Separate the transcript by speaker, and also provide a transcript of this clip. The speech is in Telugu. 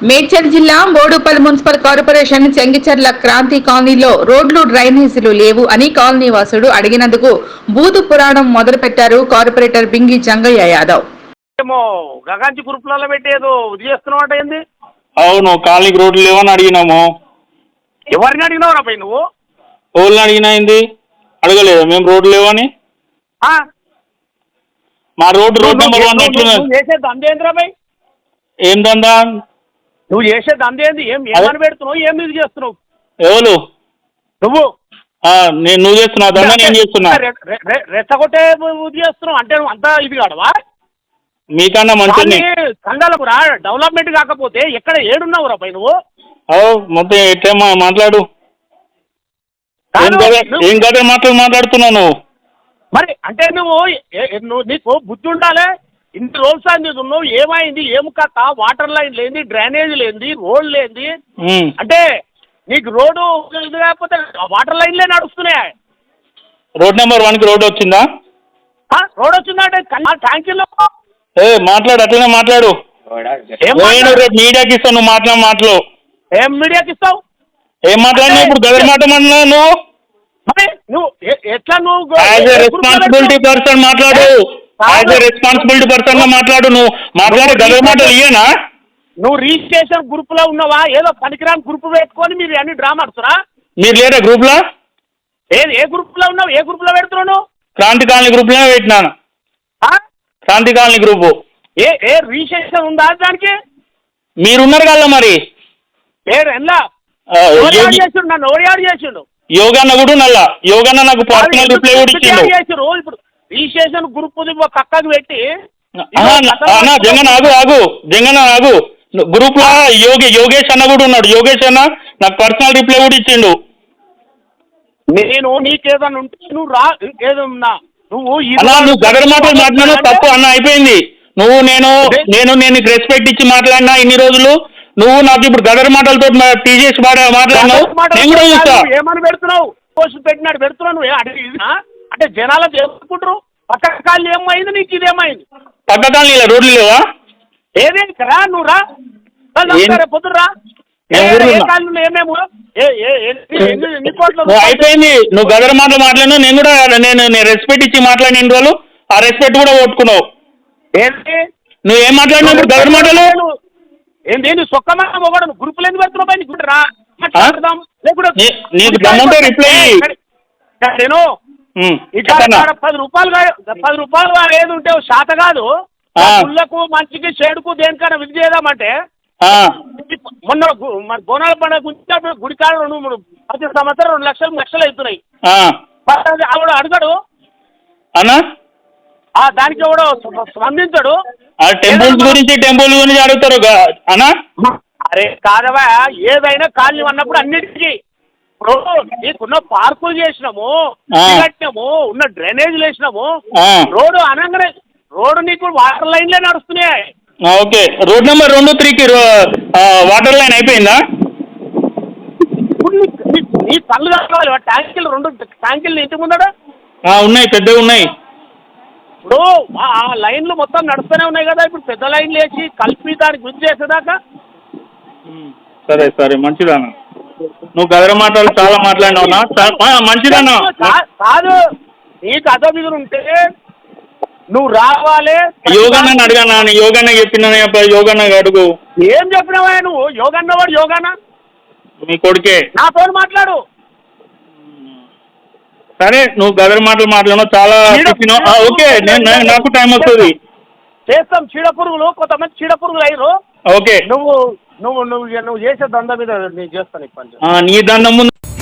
Speaker 1: మేడ్చల్ జిల్లా బోడుపల్ మున్సిపల్ కార్పొరేషన్ చెంగిచెర్ల క్రాంతి కాలనీలో రోడ్లు డ్రైనేజీలు లేవు అని కాలనీ వాసుడు అడిగినందుకు బూతు పురాణం మొదలుపెట్టారు కార్పొరేటర్ బింగి జంగయ్య యాదవ్.
Speaker 2: గగాంచి గ్రూప్లలో పెట్టేదో చేస్తున్నావు ఏంది?
Speaker 3: అవును, కాలనీకి రోడ్లు లేవని అడిగినాము.
Speaker 2: ఎవరిని అడిగినావు రాబాయి నువ్వు?
Speaker 3: ఓళ్ళని అడిగినా ఏంది? అడగలేదు మేము రోడ్లు లేవని. మా రోడ్ నెంబర్ 1
Speaker 2: నువ్వు చేసే దంద ఏంది రాబాయి?
Speaker 3: ఏం దందా?
Speaker 2: నువ్వు చేసే దంద ఏంది? ఏమని పెడుతున్నావు? ఏం ఇది చేస్తున్నావు?
Speaker 3: ఎవరు
Speaker 2: నువ్వు?
Speaker 3: నువ్వు చేస్తున్నావు దందా, నేను చేస్తున్నా.
Speaker 2: రెచ్చగొట్టే ఇది చేస్తున్నావు అంటే నువ్వు అంతా ఇది కాడవా?
Speaker 3: మీకన్నా మంచి
Speaker 2: సంఘాలకు రా, డెవలప్మెంట్ కాకపోతే ఎక్కడ ఏడున్నావు రాబాయి నువ్వు?
Speaker 3: మొత్తం ఎట్లా మాట్లాడు, ఏం కదా మాట్లాడుతున్నావు నువ్వు?
Speaker 2: మరి అంటే నువ్వు నీకు బుద్ధి ఉండాలి. ఇన్ని రోజులు సార్ నీకు ఉన్నావు, ఏమైంది, ఏం కథ? వాటర్ లైన్ లేని, డ్రైనేజ్ లేని, రోడ్ లేని, అంటే నీకు రోడ్డు లేకపోతే వాటర్ లైన్లే నడుస్తున్నాయి.
Speaker 3: రోడ్ నెంబర్ 1కి రోడ్ వచ్చిందా?
Speaker 2: రోడ్ వచ్చిందా అంటే ట్యాంకీలో
Speaker 3: మాట్లాడు, అట్లనే మాట్లాడు. మీడియాకి ఇస్తావు నువ్వు మాటలు.
Speaker 2: ఏం మీడియాకి ఇస్తావు?
Speaker 3: ఏం మాట్లాడినా ఇప్పుడు గదర్ మాట మాట్లాడు నువ్వు.
Speaker 2: నువ్వు ఎట్లా నువ్వు
Speaker 3: యాజ్ ఎ రెస్పాన్సిబిలిటీ పర్సన్ మాట్లాడు. యాజ్ ఎ రెస్పాన్సిబిలిటీ పర్సన్ గా మాట్లాడు. నువ్వు మాట్లాడే గదర్ మాటలు ఇయ్యనా?
Speaker 2: నువ్వు రిజిస్ట్రేషన్ గ్రూప్ లో ఉన్నావా? ఏదో పనికిరాని గ్రూప్ పెట్టుకొని మీరు అన్ని డ్రామా ఆడుతురా?
Speaker 3: మీరు లేదా గ్రూప్ లో?
Speaker 2: ఏ గ్రూప్ లో ఉన్నావు? ఏ గ్రూప్ లో పెడుతున్నావు?
Speaker 3: క్రాంతి కాలనీ గ్రూప్ లోనే పెట్టినాను. Kranti colony group.
Speaker 2: ఏ రిజిస్ట్రేషన్ ఉందా దానికి?
Speaker 3: మీరున్నారు కదా మరి.
Speaker 2: నన్ను ఓడియాడు చేసిండు.
Speaker 3: యోగన్న కూడా నల్లా. యోగన్న నాకు పర్సనల్ రిప్లై కూడా ఇచ్చిండు.
Speaker 2: ఇప్పుడు రిజిస్ట్రేషన్ గ్రూప్ పక్కకు పెట్టి
Speaker 3: జంగన్న ఆగు. గ్రూప్ లో యోగేష్ అన్న కూడా ఉన్నాడు. యోగేష్ అన్న నాకు పర్సనల్ రిప్లై కూడా ఇచ్చిండు.
Speaker 2: నేను నీకేదన్నా ఉంటే నువ్వు రా. ఏదన్నా
Speaker 3: నువ్వు గదర్ మాటలు మాట్లాడినా తప్పు అన్న, అయిపోయింది. నువ్వు నేను రెస్పెక్ట్ ఇచ్చి మాట్లాడినా ఇన్ని రోజులు. నువ్వు నాకు ఇప్పుడు గదర్ మాటలతో టీజేసి మాట్లాడినావు. నేను కూడా చూస్తా.
Speaker 2: ఏమని పెడుతున్నావు? పోస్ట్ పెట్టినాడు పెడుతున్నావు. అంటే జనాలకు ఏమనుకుంటారు? పక్క కాళ్ళు ఏమైంది, నీకు ఇదేమైంది?
Speaker 3: పక్క కాలనీ రోడ్లు లేవా?
Speaker 2: ఏదే రా, నువ్వు రా, పొద్దురా.
Speaker 3: అయిపోయింది. నువ్వు గదర్ మాటలు మాట్లాడినా నేను కూడా నేను రెస్పెక్ట్ ఇచ్చి మాట్లాడిన ఇన్ని రోజులు ఆ రెస్పెక్ట్ కూడా కొట్టుకున్నావు. నువ్వు ఏం మాట్లాడినప్పుడు గదర్ మాటలు
Speaker 2: ఏంటి? సొక్కమా మొగడు గ్రూపులు ఎందుకు పెడుతున్నావు? నీకు రా,
Speaker 3: నీకు దమ్ముంటే రిప్లై
Speaker 2: నేను 10 రూపాయలు ఏది ఉంటే శాత కాదు. గుళ్ళకు మంచికి చెడుకు దేనికైనా విధి చేద్దామంటే మొన్న బోనాల పండుగ గుడికాడ 10 సంవత్సరాలు 2 లక్షలు అవుతున్నాయి. ఆవిడ అడగడు
Speaker 3: అన్నా,
Speaker 2: దానికి ఎవడో స్పందించడు.
Speaker 3: టెంపుల్ గురించి అడుగుతారు అన్నా.
Speaker 2: అరే కాదవా, ఏదైనా కాలనీ అన్నప్పుడు అన్నిటికీ ఇప్పుడు నీకున్న పార్కులు చేసినాము, కట్టినాము, ఉన్న డ్రైనేజీలు వేసినాము. రోడ్డు అనగానే రోడ్డు నీకు వాటర్ లైన్లే నడుస్తున్నాయి.
Speaker 3: ఓకే, రోడ్ నెంబర్ 2, 3కి వాటర్ లైన్ అయిపోయిందా?
Speaker 2: నీ పనులు కావాలి. ట్యాంకీలు 2 ట్యాంకీలు ఇంటి ముందడా
Speaker 3: ఉన్నాయి, పెద్దగా ఉన్నాయి.
Speaker 2: ఇప్పుడు ఆ లైన్లు మొత్తం నడుస్తూనే ఉన్నాయి కదా. ఇప్పుడు పెద్ద లైన్లు వేసి కలిపి దానికి గుర్తు చేసేదాకా.
Speaker 3: సరే మంచిదన్నా. నువ్వు గదర మాటలు చాలా మాట్లాడినావునా? మంచిదన్నా.
Speaker 2: కాదు, నీకు అదో మీద ఉంటే నువ్వు రావాలి.
Speaker 3: యోగన్న అడిగానా? యోగన్న చెప్పిన యోగన్న అడుగు.
Speaker 2: ఏం చెప్పినావా నువ్వు? యోగన్న వాడు యోగానా?
Speaker 3: మీ కొడుకే.
Speaker 2: నాతో మాట్లాడు.
Speaker 3: సరే, నువ్వు గదర్ మాటలు మాట్లాడినావు చాలా. ఓకే, నాకు టైం వస్తుంది.
Speaker 2: చేస్తాం. చీడపురుగులు కొంతమంది చీడపురుగులు అయ్యారు.
Speaker 3: ఓకే,
Speaker 2: నువ్వు చేసే దండ మీద నేను చేస్తాను.
Speaker 3: నీ దండం ముందు